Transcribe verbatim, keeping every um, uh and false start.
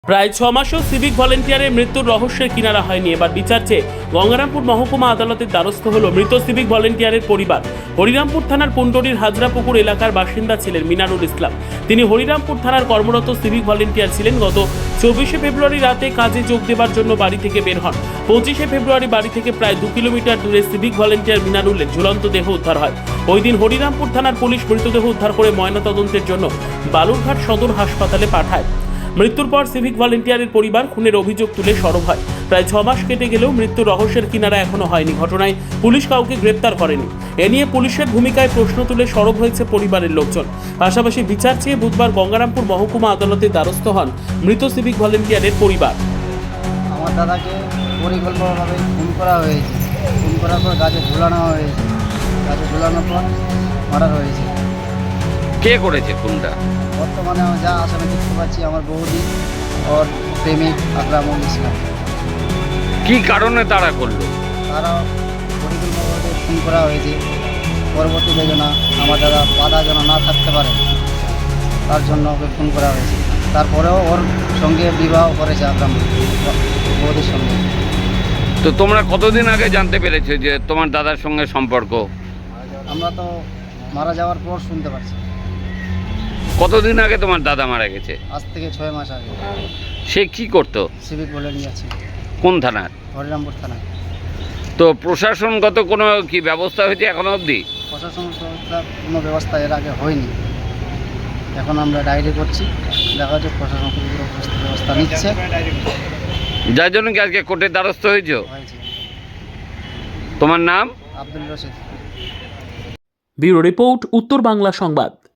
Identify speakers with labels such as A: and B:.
A: প্রায় ছ মাসও সিভিক ভলেন্টিয়ারের মৃত্যুর রহস্যের কিনারা হয়নি। এবার বিচার চেয়ে গঙ্গারামপুর মহকুমা আদালতের দ্বারস্থ হল মৃত সিভিক ভলেন্টিয়ারের পরিবার। হরিরামপুর থানার পুন্ডরির হাজরাপুকুর এলাকার বাসিন্দা ছিলেন মিনারুল ইসলাম। তিনি হরিরামপুর থানার কর্মরত সিভিক ভলেন্টিয়ার ছিলেন। গত চব্বিশে ফেব্রুয়ারি রাতে কাজে যোগ দেবার জন্য বাড়ি থেকে বের হন। পঁচিশে ফেব্রুয়ারি বাড়ি থেকে প্রায় দু কিলোমিটার দূরে সিভিক ভলেন্টিয়ার মিনারুলের ঝুলন্ত দেহ উদ্ধার হয়। ওই দিন হরিরামপুর থানার পুলিশ মৃতদেহ উদ্ধার করে ময়নাতদন্তের জন্য বালুরঘাট সদর হাসপাতালে পাঠায়। মৃত্যুর পর সিভিক ভলেন্টিয়ারের পরিবার খুনের অভিযোগ তুলে সরব হয়। প্রায় ছ মাস কেটে গেলেও মৃত্যুর রহস্যের কিনারা এখনো হয়নি। ঘটনায় পুলিশ কাউকে গ্রেপ্তার করেনি। এ নিয়ে পুলিশের ভূমিকায় প্রশ্ন তুলে সরব হয়েছে পরিবারের লোকজন। পাশাপাশি বিচার চেয়ে বুধবার গঙ্গারামপুর মহকুমা আদালতের দ্বারস্থ হন মৃত সিভিক ভলেন্টিয়ারের পরিবার।
B: আমার দাদাকে পরিকল্পনাভাবে খুন করা হয়েছে। খুন করার পর গাছে ঝুলানো হয়েছে। গাছে ঝুলানোর পর মার্ডার হয়েছে।
C: কে করেছে খুনটা?
B: বর্তমানে আমি যা আসামে দেখতে পাচ্ছি আমার বৌদি ওর প্রেমিক আকরামুল ইসলাম।
C: কি কারণে তারা করলো?
B: তারা পরিকল্পনাভাবে খুন করা হয়েছে। পরবর্তীতে যেন আমার দাদা বাধা যেন না থাকতে পারে তার জন্য ওকে খুন করা হয়েছে। তারপরেও ওর সঙ্গে বিবাহ করেছে আকরাম বৌদির সঙ্গে।
C: তো তোমরা কতদিন আগে জানতে পেরেছো যে তোমার দাদার সঙ্গে সম্পর্ক?
B: আমরা তো মারা যাওয়ার পর শুনতে পারছি।
C: কতদিন আগে তোমার দাদা মারা গেছে?
B: আজ থেকে ছয় মাস আগে।
C: সে কি করতো?
B: সিভিক বলে নিয়ে আছি
C: কোন থানার?
B: হরিরামপুর থানায়।
C: তো প্রশাসনগত কোনো কি ব্যবস্থা হয়েছে এখনো অবধি?
B: প্রশাসন সংস্থার কোনো ব্যবস্থা এর আগে হয়নি। এখন আমরা ডায়েরি করছি, দেখা যাচ্ছে প্রশাসন কোনো ব্যবস্থা নিচ্ছে।
C: যার জন্য কি আজকে কোর্টের দ্বারস্থ হয়েছো?
B: হয়েছে।
C: তোমার নাম?
B: আব্দুল রশিদ।
A: ব্যুরো রিপোর্ট, উত্তর বাংলা সংবাদ।